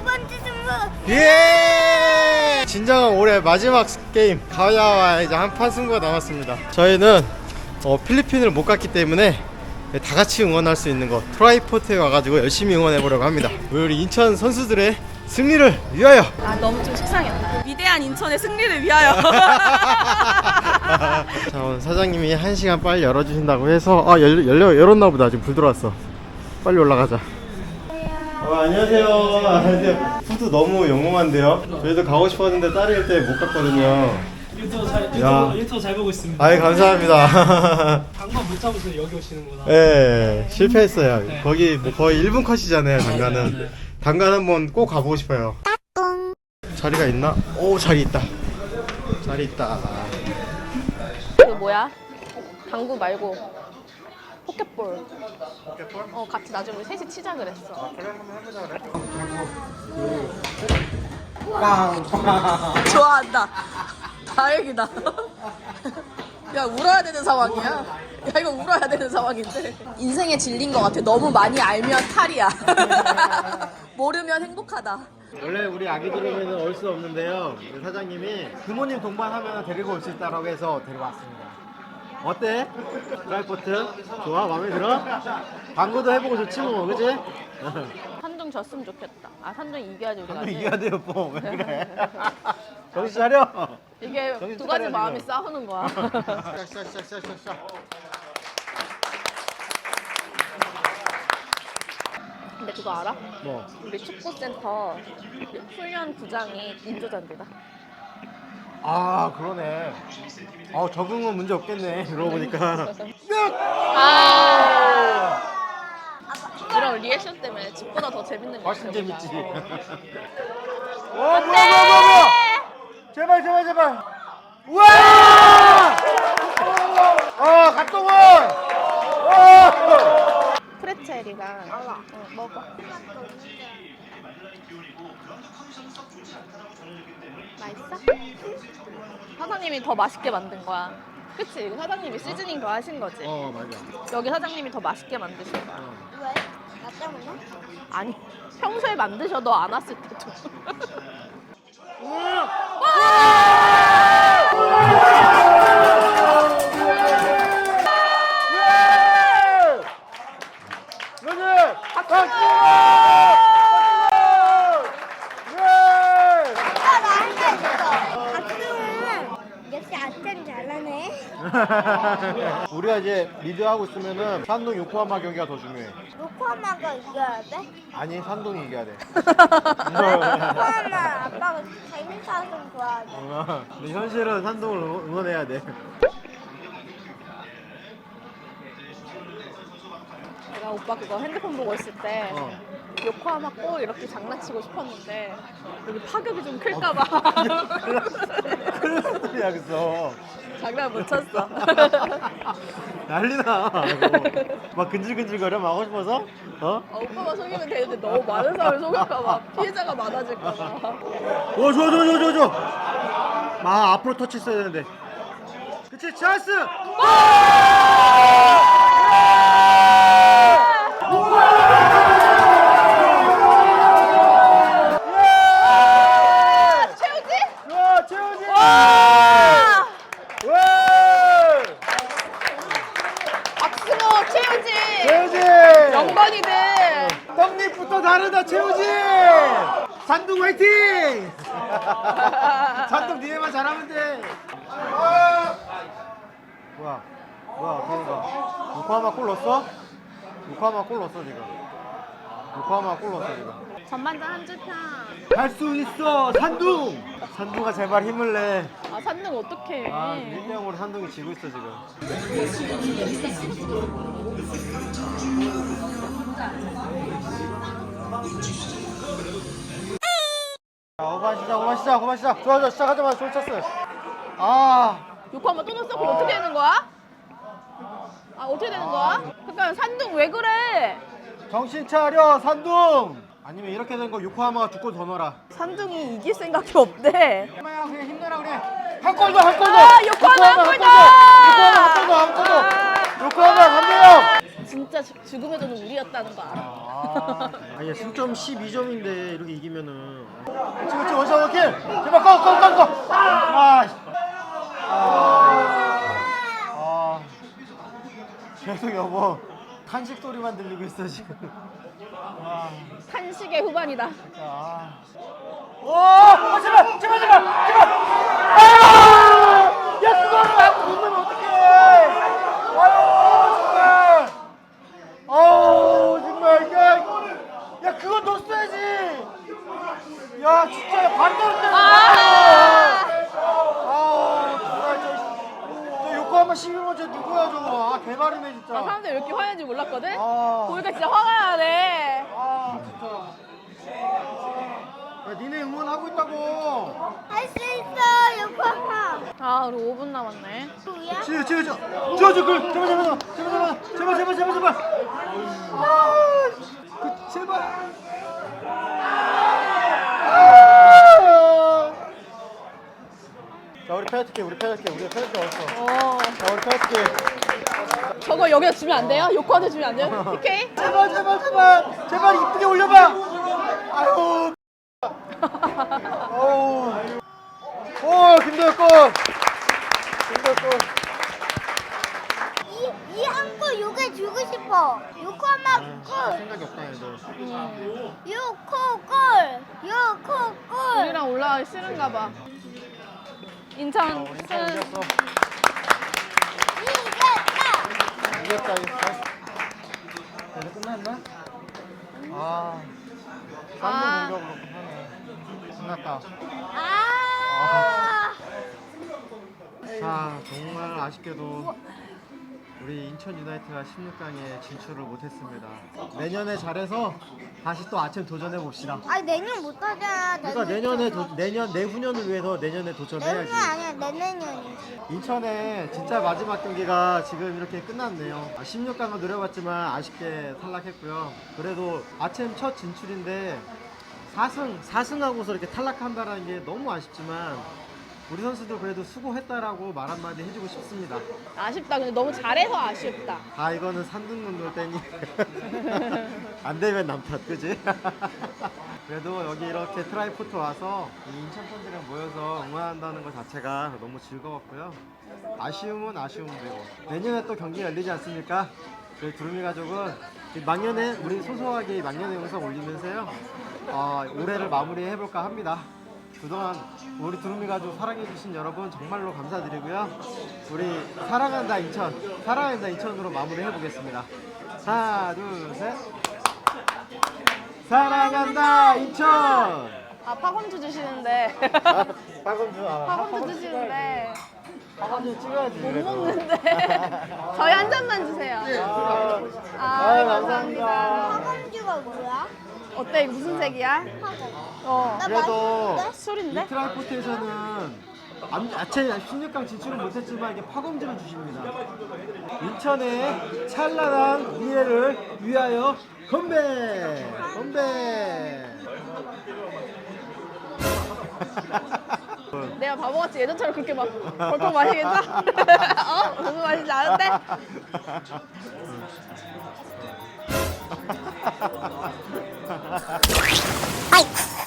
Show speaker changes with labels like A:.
A: 번째 승부.
B: 예! 진정한 올해 마지막 게임 가야와 이제 한판 승부가 남았습니다. 저희는 필리핀을 못 갔기 때문에 다 같이 응원할 수 있는 곳 트라이포트에 와가지고 열심히 응원해 보려고 합니다. 우리 인천 선수들의 승리를 위하여.
C: 아 너무 좀 속상했다. 위대한 인천의 승리를 위하여.
B: 자, 오늘 사장님이 1시간 빨리 열어주신다고 해서 열었나 보다. 지금 불 들어왔어. 빨리 올라가자. 안녕하세요. 안녕하세요. 푸드 너무 영롱한데요. 저희도 가고 싶었는데 딸일 때 못 갔거든요.
D: 유튜브 잘 보고 있습니다.
B: 아이, 감사합니다.
D: 당만 못 잡으셔서 여기 오시는구나.
B: 네, 실패했어요.
D: 네.
B: 거기 뭐 거의 1분 컷이잖아요, 당가는.
D: 네.
B: 당간 한번 꼭 가보고 싶어요. 자리가 있나? 오, 자리 있다. 자리 있다.
C: 그 뭐야? 당구 말고 포켓볼.
B: 포켓볼?
C: 같이 나중에 우리 셋이 치자 그랬어.
B: 그래, 한번 해보자 그래.
C: 좋아한다. 다행이다. 야 울어야 되는 상황이야. 야 이거 울어야 되는 상황인데. 인생에 질린 것 같아. 너무 많이 알면 탈이야. 모르면 행복하다.
B: 원래 우리 아기들이면 올 수 없는데요. 우리 사장님이 부모님 동반하면 데리고 올 수 있다고 해서 데려왔습니다. 어때? 트라이포트? 좋아? 마음에 들어? 당구도 해보고 좋지 뭐, 그치?
C: 산둥 졌으면 좋겠다. 아 산둥 이겨야지 우리가.
B: 이겨야 돼, 여보. 왜 그래? 정신 차려.
C: 이게
B: 정신
C: 두 가지
B: 차려,
C: 마음이
B: 지금.
C: 싸우는 거야.
B: 시작.
C: 근데 그거 알아?
B: 뭐?
C: 우리 축구센터 훈련 구장이 인조잔디다.
B: 아, 그러네. 적응은 문제 없겠네. 그러고 보니까.
C: 아. 이런 리액션 때문에 집보다 더 재밌는 거 같아.
B: 훨씬 재밌지.
C: 우리가.
B: 뭐야. 제발. 우와! 갓동원!
C: 프레첼이랑 먹어. 맛있어? 사장님이 더 맛있게 만든 거야. 그치? 이거 사장님이 시즈닝 더 하신 거지?
B: 맞아.
C: 여기 사장님이 더 맛있게 만드신 거야.
A: 왜? 나 때문에?
C: 아니 평소에 만드셔 너 안 왔을 때도.
A: 역시 아템 잘하네.
B: 우리가 이제 리드하고 있으면은 산동 요코하마 경기가 더 중요해.
A: 요코하마가 이겨야 돼?
B: 아니, 산동이 이겨야 돼.
A: 요코하마 아빠가 재밌어서 좋아하지.
B: 근데 현실은 산동을 응원해야 돼.
C: 내가 오빠 그거 핸드폰 보고 있을 때 요코하마 골 이렇게 장난치고 싶었는데 여기 파격이 좀 클까봐
B: 큰일 났소야 그래서
C: 장난 못 쳤어.
B: 난리나. 막 근질근질거려 막 하고 싶어서.
C: 오빠만 속이면 되는데 너무 많은 사람을 속일까봐 피해자가 많아질까봐.
B: 오, 좋아. 앞으로 터치 있어야 되는데. 그치, 찬스!
C: 최우지?
B: 좋아, 최우지!
C: 박승호, 최우지!
B: 최우지!
C: 0번이들!
B: 떡잎부터 다르다, 최우지! 산둥 화이팅! 산둥 니네만 잘하면 돼. 뭐야, 그런가? 요코하마 골 넣었어? 요코하마 골 넣었어, 지금.
C: 전반전 한 줄 평.
B: 할 수 있어, 산둥! 산둥아, 제발 힘을 내.
C: 아, 산능 어떡해.
B: 1대0으로 산둥이 지고 있어, 지금. 자, 그만 시작. 좋아, 시작하자마자 좋은 찬스.
C: 요코하마 또 넣었어? 그럼 어떻게 되는 거야? 어떻게 되는 거야? 그러니까 산둥 왜 그래?
B: 정신 차려, 산둥! 아니면 이렇게 된 거 요코하마가 2골 더 넣어라.
C: 산둥이 이길 생각이 없대.
B: 엄마야, 그냥 힘내라 그래. 한 골 더.
C: 요코하마 한 골 더!
B: 요코하마 3대0.
C: 진짜 죽음의 돈은 우리였다는 거 알아.
B: 아니야 승점 12점인데 이렇게 이기면은 그렇지 원샷 워킹 제발 꺼 계속 여보 탄식 소리만 들리고 있어 지금
C: 탄식의 후반이다.
B: 제발 야 그거를 막 놓으면 어떡해 정말 정말 야 그거 넣었어야지 야 진짜 반대로 때려 저 요코하마 11번째 누구야 저거 개발이네 진짜
C: 사람들 왜 이렇게 화내는지 몰랐거든?
B: 아.
C: 보니까 진짜 화가 나네.
B: 진짜 야 니네 응원하고 있다고
A: 할 수 있어, 요코하마.
C: 아, 우리 5분 남았네.
A: 뭐야?
B: 지우 제발 제발 자 우리 페널티킥 어딨어 자 우리 페널티킥
C: 저거 여기다 주면 안 돼요? 요코한테 주면 안 돼요? PK?
B: 제발 이쁘게 올려봐 아유 김도혁 골
A: 이 한 거 요게 주고 싶어. 요코하마 골.
B: 생각이 없다 얘들
A: 요코 골. 요코 골.
C: 우리랑 올라가기 싫은가 봐. 인천
B: 인천
C: 승.
B: 이겼어
A: 이겼다.
B: 이겼다 이제 끝났나? 쌍둥 공격으로 끝나네 끝났다
A: 아.
B: 자 정말 아쉽게도 우리 인천 유나이티드가 16강에 진출을 못했습니다. 내년에 잘해서 다시 또 아침 도전해 봅시다.
A: 아니 내년 못 하잖아.
B: 그러니까 내후년을 위해서 내년에 도전해야지.
A: 내년 아니야 내년이지.
B: 인천의 진짜 마지막 경기가 지금 이렇게 끝났네요. 16강을 노려봤지만 아쉽게 탈락했고요. 그래도 아침 첫 진출인데 4승하고서 이렇게 탈락한다는 게 너무 아쉽지만 우리 선수들 그래도 수고했다라고 말 한마디 해주고 싶습니다.
C: 아쉽다. 근데 너무 잘해서 아쉽다.
B: 이거는 산등문 놀 때니 안 되면 남 탓, 그지? 그래도 여기 이렇게 트라이포트 와서 이 인천 팬들이랑 모여서 응원한다는 것 자체가 너무 즐거웠고요. 아쉬움은 아쉬움대로 내년에 또 경기 열리지 않습니까? 저희 두루미 가족은 이 막년에 우리 소소하게 막년에 영상 올리면서요 올해를 마무리해볼까 합니다. 그동안 우리 두루미 가족 사랑해주신 여러분 정말로 감사드리고요. 우리 사랑한다 인천으로 마무리해보겠습니다. 하나 둘 셋 사랑한다 인천.
C: 파검주 주시는데. 파검주 주시는데
B: 파검주 찍어야지.
C: 못 먹는데. 저희 한 잔만 주세요. 감사합니다.
A: 파검주가 뭐야?
C: 어때? 이거 무슨 색이야?
A: 나
B: 그래도
A: 맛있는데?
C: 술인데?
B: 이 트라이포트에서는 아체 16강 진출은 못했지만 이게 파검주를 주십니다. 인천의 찬란한 미래를 위하여 건배!
C: 내가 바보같이 예전처럼 그렇게 막 벌컥 마시겠어? 무슨 맛인지 아는데?
A: 아이.